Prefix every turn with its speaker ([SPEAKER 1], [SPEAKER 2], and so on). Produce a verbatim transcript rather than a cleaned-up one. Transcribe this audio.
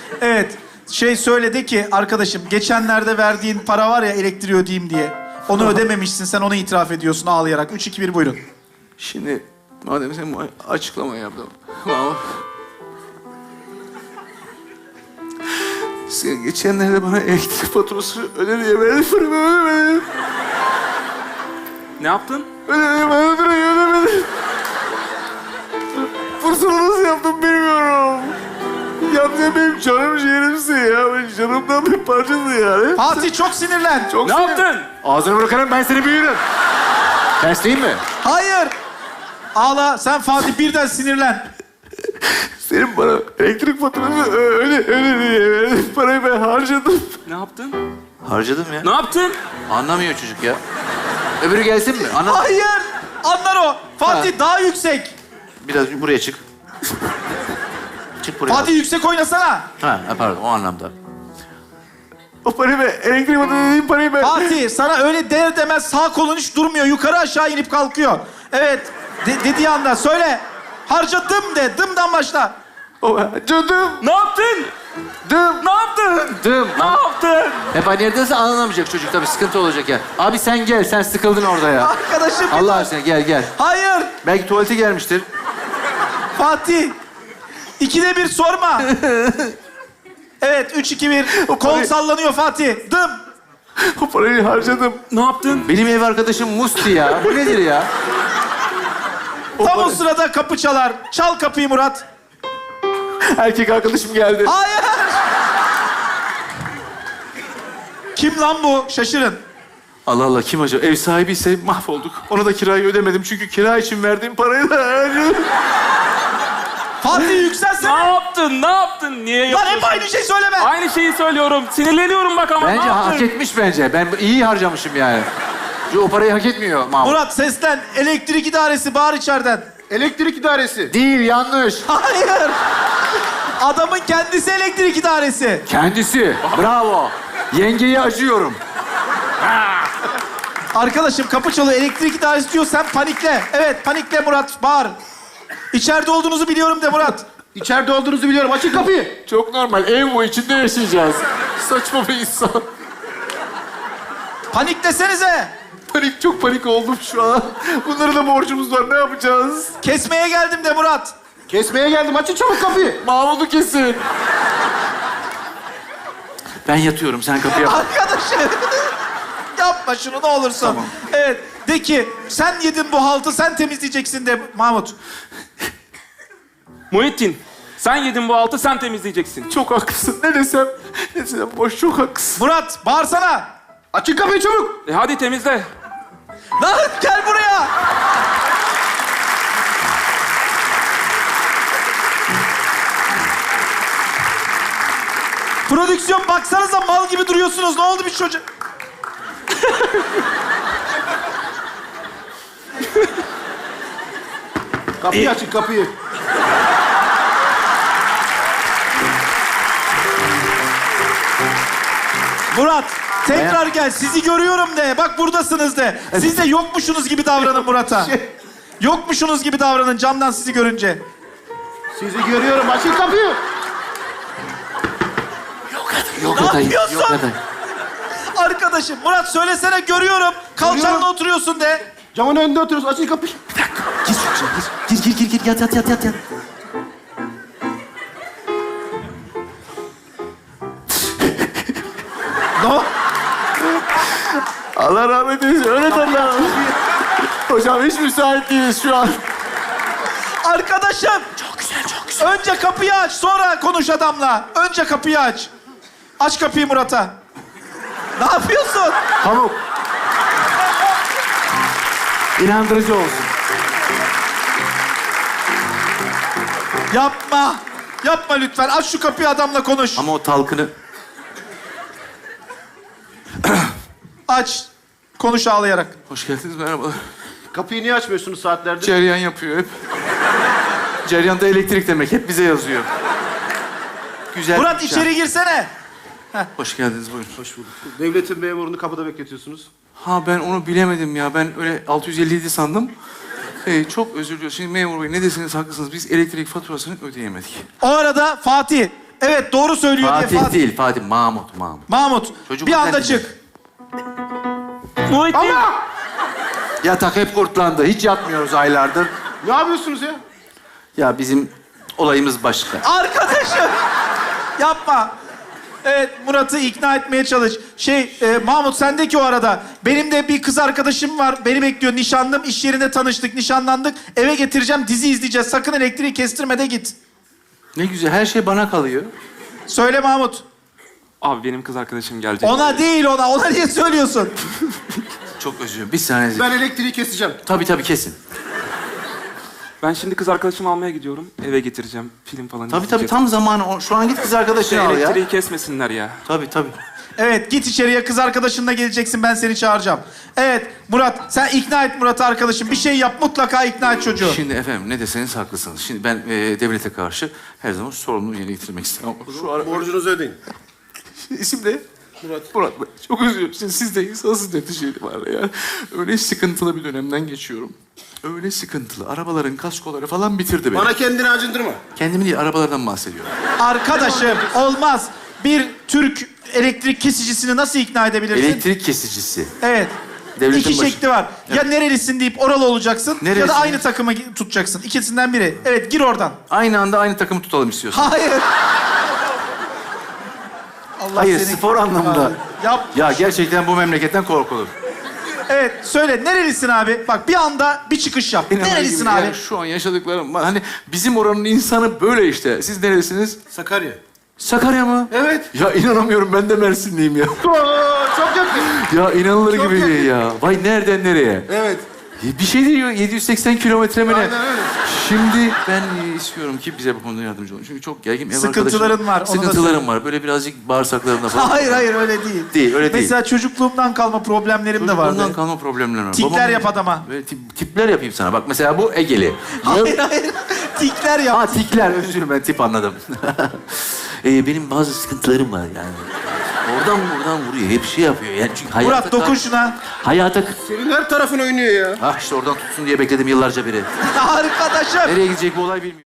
[SPEAKER 1] Evet. Şey söyledi ki arkadaşım geçenlerde verdiğin para var ya elektriği ödeyeyim diye. Onu ödememişsin sen onu itiraf ediyorsun ağlayarak. Üç, iki, bir buyurun.
[SPEAKER 2] Şimdi madem sen bu açıklama yaptın. Ama... Sen geçenlerde bana elektrik faturası öde diye verdin, paramı ödemedin.
[SPEAKER 3] Ne yaptın?
[SPEAKER 2] Ödemedim, ödemedim, ödemedim. Fırsatı nasıl yaptım bilmiyorum. Yalnız benim canım ciğerimsin ya. Ben canımdan bir parçası yani.
[SPEAKER 1] Fatih çok sinirlen.
[SPEAKER 2] Çok
[SPEAKER 3] Ne
[SPEAKER 2] sinir-
[SPEAKER 3] yaptın?
[SPEAKER 2] Ağzını bırakarım ben seni büyürüm. Ters değil mi?
[SPEAKER 1] Hayır. Ağla sen Fatih birden sinirlen.
[SPEAKER 2] Senin bana elektrik faturası öyle öyle diye verdin. Parayı ben harcadım.
[SPEAKER 3] Ne yaptın?
[SPEAKER 2] Harcadım ya.
[SPEAKER 3] Ne yaptın?
[SPEAKER 2] Anlamıyor çocuk ya. Öbürü gelsin mi? Anla.
[SPEAKER 1] Hayır. Anlar o. Fatih
[SPEAKER 2] Ha.
[SPEAKER 1] daha yüksek.
[SPEAKER 2] Biraz buraya çık. Çık buraya.
[SPEAKER 1] Fatih yüksek oynasana.
[SPEAKER 2] Ha, ha, pardon o anlamda. O parayı ben, elektrik faturası dediğim parayı ben...
[SPEAKER 1] Fatih sana öyle der demez sağ kolun hiç durmuyor. Yukarı aşağı inip kalkıyor. Evet. De- dediği anda söyle. Harcadım de. Dımdan başla.
[SPEAKER 2] O, cadım,
[SPEAKER 3] Ne yaptın?
[SPEAKER 2] dım,
[SPEAKER 3] Ne yaptın?
[SPEAKER 2] dım.
[SPEAKER 3] Ne yaptın?
[SPEAKER 2] Hep aynı yerdeyse anlamayacak çocuk tabii sıkıntı olacak ya. Abi sen gel, sen sıkıldın orada ya.
[SPEAKER 1] Arkadaşım.
[SPEAKER 2] Allah aşkına gel gel.
[SPEAKER 1] Hayır.
[SPEAKER 2] Belki tuvalete gelmiştir.
[SPEAKER 1] Fatih. İkide bir sorma. Evet. Üç, iki, bir. Kol
[SPEAKER 2] parayı-
[SPEAKER 1] sallanıyor Fatih. Dım.
[SPEAKER 2] O parayı harcadım.
[SPEAKER 3] Ne yaptın?
[SPEAKER 2] Benim ev arkadaşım Musti ya. Bu nedir ya?
[SPEAKER 1] Tam o sırada kapı çalar. Çal kapıyı Murat.
[SPEAKER 2] Erkek arkadaşım geldi.
[SPEAKER 1] Hayır. Kim lan bu? Şaşırın.
[SPEAKER 2] Allah Allah kim acaba? Ev sahibi ise mahvolduk. Ona da kirayı ödemedim çünkü kira için verdiğim parayı da harcadım.
[SPEAKER 1] Fatih
[SPEAKER 3] Ne
[SPEAKER 1] yükselsene.
[SPEAKER 3] yaptın? Ne yaptın? Niye
[SPEAKER 1] Lan
[SPEAKER 3] yapıyorsun?
[SPEAKER 1] hep aynı şey söyleme.
[SPEAKER 3] Aynı şeyi söylüyorum. Sinirleniyorum bak ama
[SPEAKER 2] Bence
[SPEAKER 3] ne
[SPEAKER 2] hak
[SPEAKER 3] yaptın?
[SPEAKER 2] etmiş bence. Ben iyi harcamışım yani. Çünkü o parayı hak etmiyor Mahmut.
[SPEAKER 1] Murat seslen. Elektrik idaresi bağır içeriden.
[SPEAKER 4] Elektrik idaresi.
[SPEAKER 2] Değil, yanlış.
[SPEAKER 1] Hayır. Adamın kendisi elektrik idaresi.
[SPEAKER 2] Kendisi. Bravo. Yengeyi acıyorum.
[SPEAKER 1] Arkadaşım kapı çalıyor. Elektrik idaresi diyor. Sen panikle. Evet panikle Murat. Bağır. İçeride olduğunuzu biliyorum de Murat.
[SPEAKER 4] İçeride olduğunuzu biliyorum. Açın kapıyı.
[SPEAKER 2] Çok normal. Ev bu. içinde yaşayacağız. Saçma bir insan.
[SPEAKER 1] Paniklesenize.
[SPEAKER 2] Panik, çok panik oldum şu an. Bunlara da borcumuz var. Ne yapacağız?
[SPEAKER 1] Kesmeye geldim de Murat.
[SPEAKER 4] Kesmeye geldim. Açın çabuk kapıyı.
[SPEAKER 2] Mahmut'u kesin. Ben yatıyorum. Sen kapıya bak.
[SPEAKER 1] Arkadaşım. Yapma şunu ne olursun.
[SPEAKER 2] Tamam.
[SPEAKER 1] Evet. De ki sen yedin bu haltı sen temizleyeceksin de Mahmut.
[SPEAKER 3] Muhittin, sen yedin bu altı, sen temizleyeceksin.
[SPEAKER 2] Çok haklısın. Ne desem, ne desem boş. Çok haklısın.
[SPEAKER 1] Murat bağırsana.
[SPEAKER 4] Açın kapıyı çabuk.
[SPEAKER 3] E hadi temizle.
[SPEAKER 1] Lan gel buraya. Prodüksiyon baksanıza mal gibi duruyorsunuz. Ne oldu bir çocuk?
[SPEAKER 4] Kapıyı açın kapıyı.
[SPEAKER 1] Murat tekrar gel. Sizi görüyorum de. Bak buradasınız de. Siz de yokmuşsunuz gibi davranın Murat'a. Yokmuşsunuz gibi davranın camdan sizi görünce.
[SPEAKER 4] Sizi görüyorum. Açın kapıyı.
[SPEAKER 2] Yok
[SPEAKER 1] Ne
[SPEAKER 2] adayım.
[SPEAKER 1] yapıyorsun?
[SPEAKER 2] Yok adayım.
[SPEAKER 1] Arkadaşım Murat söylesene görüyorum. Kalçanla
[SPEAKER 4] Görüyorum.
[SPEAKER 1] oturuyorsun de.
[SPEAKER 4] Camın önünde oturuyoruz. Açın kapıyı.
[SPEAKER 2] Gir şu içeri, gir. Gir, gir, gir, gir. Yat, yat, yat, yat, yat.
[SPEAKER 1] Ne o?
[SPEAKER 2] Allah rahmet eylesin. Öyle Allah. Hocam hiç müsait değiliz şu an.
[SPEAKER 1] Arkadaşım.
[SPEAKER 2] Çok güzel, çok güzel.
[SPEAKER 1] Önce kapıyı aç, sonra konuş adamla. Önce kapıyı aç. Aç kapıyı Murat'a. Ne yapıyorsun?
[SPEAKER 2] Pamuk. İnandırıcı olsun.
[SPEAKER 1] Yapma. Yapma lütfen. Aç şu kapıyı adamla konuş.
[SPEAKER 2] Ama o talkını...
[SPEAKER 1] Aç. Konuş ağlayarak.
[SPEAKER 2] Hoş geldiniz, merhabalar.
[SPEAKER 4] Kapıyı niye açmıyorsunuz saatlerdir?
[SPEAKER 2] Ceryan yapıyor hep. Ceryan da elektrik demek. Hep bize yazıyor. Güzel.
[SPEAKER 1] Murat
[SPEAKER 2] bir
[SPEAKER 1] içeri girsene.
[SPEAKER 2] Hoş geldiniz, buyurun.
[SPEAKER 4] Hoş bulduk. Devletin memurunu kapıda bekletiyorsunuz.
[SPEAKER 2] Ha ben onu bilemedim ya. Ben öyle altı yüz elli yedi sandım. Ee, çok özür diliyorum. Şimdi memur bey ne deseniz haklısınız. Biz elektrik faturasını ödeyemedik.
[SPEAKER 1] O arada Fatih Evet doğru söylüyor
[SPEAKER 5] Fatih,
[SPEAKER 1] diye Fatih.
[SPEAKER 5] değil, Fatih. Mahmut, Mahmut.
[SPEAKER 1] Mahmut
[SPEAKER 5] Çocuk
[SPEAKER 1] bir anda
[SPEAKER 5] zaten-
[SPEAKER 1] çık.
[SPEAKER 3] Muhittin.
[SPEAKER 5] Yatak hep kurtlandı. Hiç yatmıyoruz aylardır.
[SPEAKER 4] Ne yapıyorsunuz ya?
[SPEAKER 5] Ya bizim olayımız başka.
[SPEAKER 1] Arkadaşım yapma. Evet Murat'ı ikna etmeye çalış. Şey e, Mahmut sendeki o arada. Benim de bir kız arkadaşım var. Beni bekliyor. Nişanlım. İş yerinde tanıştık. Nişanlandık. Eve getireceğim. Dizi izleyeceğiz. Sakın elektriği kestirme de git.
[SPEAKER 5] Ne güzel, her şey bana kalıyor.
[SPEAKER 1] Söyle Mahmut.
[SPEAKER 3] Abi benim kız arkadaşım gelecek.
[SPEAKER 1] Ona değil ona. Ona niye söylüyorsun?
[SPEAKER 5] Çok özür dilerim. Bir saniye.
[SPEAKER 4] Ben elektriği keseceğim.
[SPEAKER 5] Tabii tabii, kesin.
[SPEAKER 3] Ben şimdi kız arkadaşımı almaya gidiyorum. Eve getireceğim. Film falan
[SPEAKER 5] Tabii tabii,
[SPEAKER 3] izleyeceğiz.
[SPEAKER 5] tam zamanı. O- Şu an git kız arkadaşını al ya.
[SPEAKER 3] Elektriği kesmesinler ya.
[SPEAKER 5] Tabii tabii.
[SPEAKER 1] Evet git içeriye. Kız arkadaşınla geleceksin. Ben seni çağıracağım. Evet Murat sen ikna et Murat'ı arkadaşım. Bir şey yap. Mutlaka ikna et çocuğu.
[SPEAKER 5] Şimdi efendim ne deseniz haklısınız. Şimdi ben e, devlete karşı her zaman sorumluluğu yerine getirmek isterim. Ama şu ara...
[SPEAKER 4] Borcunuzu ödeyin.
[SPEAKER 5] İsim ne? Murat. Murat Bey. Çok üzülüyorum. Şimdi siz de insansız neticeli var ya. Öyle sıkıntılı bir dönemden geçiyorum. Öyle sıkıntılı. Arabaların kaskoları falan bitirdi beni.
[SPEAKER 4] Bana kendini acındırma.
[SPEAKER 5] Kendimi değil, arabalardan bahsediyorum.
[SPEAKER 1] Arkadaşım olmaz. Bir Türk elektrik kesicisini nasıl ikna edebilirsin?
[SPEAKER 5] Elektrik kesicisi.
[SPEAKER 1] Evet.
[SPEAKER 5] Devletin
[SPEAKER 1] İki
[SPEAKER 5] başı-
[SPEAKER 1] şekli var. Ya nerelisin deyip oralı olacaksın ya
[SPEAKER 5] Nerelisin?
[SPEAKER 1] da aynı takımı gi- tutacaksın. İkisinden biri. Evet gir oradan.
[SPEAKER 5] Aynı anda aynı takımı tutalım istiyorsun.
[SPEAKER 1] Hayır. Allah
[SPEAKER 5] Hayır,
[SPEAKER 1] seni-
[SPEAKER 5] spor anlamında.
[SPEAKER 1] Yap.
[SPEAKER 5] Ya gerçekten bu memleketten korkulur.
[SPEAKER 1] Evet söyle nerelisin abi? Bak bir anda bir çıkış yap.
[SPEAKER 5] İnanılır
[SPEAKER 1] Nerelisin
[SPEAKER 5] gibi.
[SPEAKER 1] abi?
[SPEAKER 5] Yani şu an yaşadıklarım var. Hani bizim oranın insanı böyle işte. Siz neresiniz?
[SPEAKER 4] Sakarya.
[SPEAKER 5] Sakarya mı?
[SPEAKER 4] Evet.
[SPEAKER 5] Ya inanamıyorum, ben de Mersinliyim ya.
[SPEAKER 4] Oo, çok yakın.
[SPEAKER 5] Ya inanılır
[SPEAKER 4] Çok
[SPEAKER 5] gibi
[SPEAKER 4] yakın.
[SPEAKER 5] değil ya. Vay nereden nereye?
[SPEAKER 4] Evet.
[SPEAKER 5] Bir şey diyor, yedi yüz seksen kilometre mi ne?
[SPEAKER 4] Aynen öyle.
[SPEAKER 5] Şimdi ben e, istiyorum ki bize bu konuda yardımcı olun. Çünkü çok gergin ev
[SPEAKER 1] Sıkıntıların
[SPEAKER 5] arkadaşım-
[SPEAKER 1] var, onu da
[SPEAKER 5] Sıkıntılarım var. Böyle birazcık bağırsaklarımda falan.
[SPEAKER 1] Hayır hayır öyle değil.
[SPEAKER 5] Değil, öyle değil.
[SPEAKER 1] Mesela çocukluğumdan kalma problemlerim de vardı.
[SPEAKER 5] Ondan kalma problemler var.
[SPEAKER 1] Tikler
[SPEAKER 5] Babamın-
[SPEAKER 1] yap adama.
[SPEAKER 5] Böyle tip- tipler yapayım sana. Bak mesela bu Egeli.
[SPEAKER 1] Hayır hayır. Tikler yap.
[SPEAKER 5] Ha tikler, özür dilerim, ben tip anladım. Ee, benim bazı sıkıntılarım var yani. Oradan buradan vuruyor, hep şey yapıyor. Yani çünkü hayata
[SPEAKER 1] Murat dokun şuna.
[SPEAKER 5] Hayata...
[SPEAKER 4] Senin her tarafın oynuyor ya.
[SPEAKER 5] Ah işte oradan tutsun diye bekledim yıllarca beri.
[SPEAKER 1] Arkadaşım.
[SPEAKER 5] Nereye gidecek bu olay bilmiyorum.